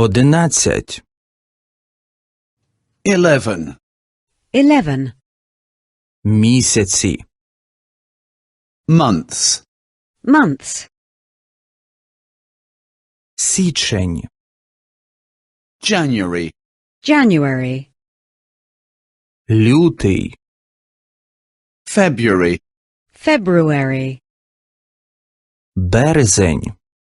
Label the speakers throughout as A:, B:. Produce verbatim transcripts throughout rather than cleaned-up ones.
A: Одинадцять.
B: Eleven.
C: Eleven.
A: Місяці.
B: Months.
C: Months.
A: Січень.
B: January.
C: January.
A: Лютий.
B: February.
C: February.
A: Березень.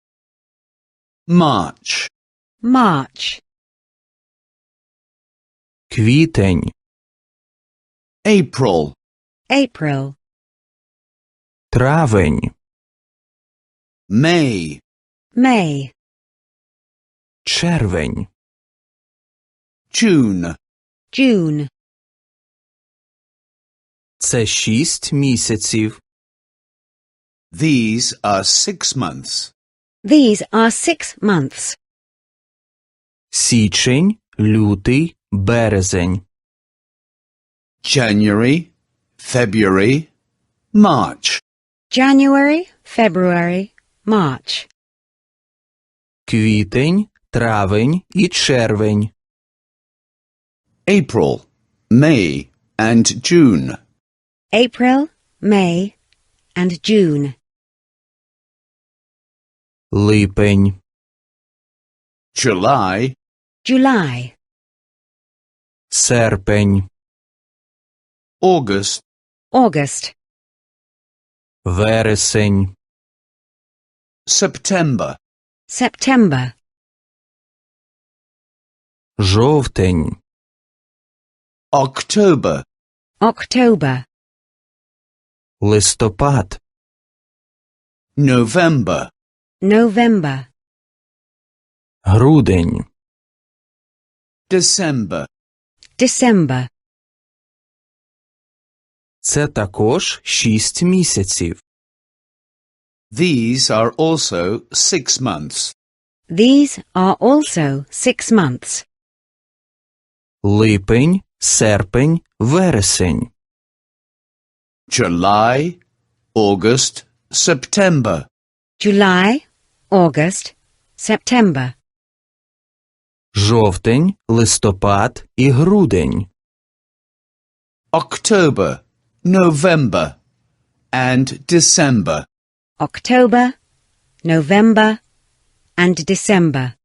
B: March.
C: March.
A: Квітень.
B: April.
C: April.
A: Травень.
B: May.
C: May.
A: Червень.
B: June.
C: June.
A: Це шість місяців.
B: These are six months.
C: These are six months.
A: Січень, лютий, березень.
B: January, February, March.
C: January, February, March.
A: Квітень, травень і червень.
B: April, May, and June.
C: April, May, and June.
A: Липень.
B: July.
C: July.
A: Серпень.
B: August.
C: August.
A: Вересень.
B: September.
C: September.
A: Жовтень.
B: October.
C: October.
A: Листопад.
B: November.
C: November.
A: Грудень.
B: December.
C: December.
A: Це також шість місяців.
B: These are also six months.
C: These are also six months.
A: Липень, серпень, вересень.
B: July, August, September.
C: July, August, September.
A: Жовтень, листопад і грудень.
B: October, November, and December.
C: October, November, and December.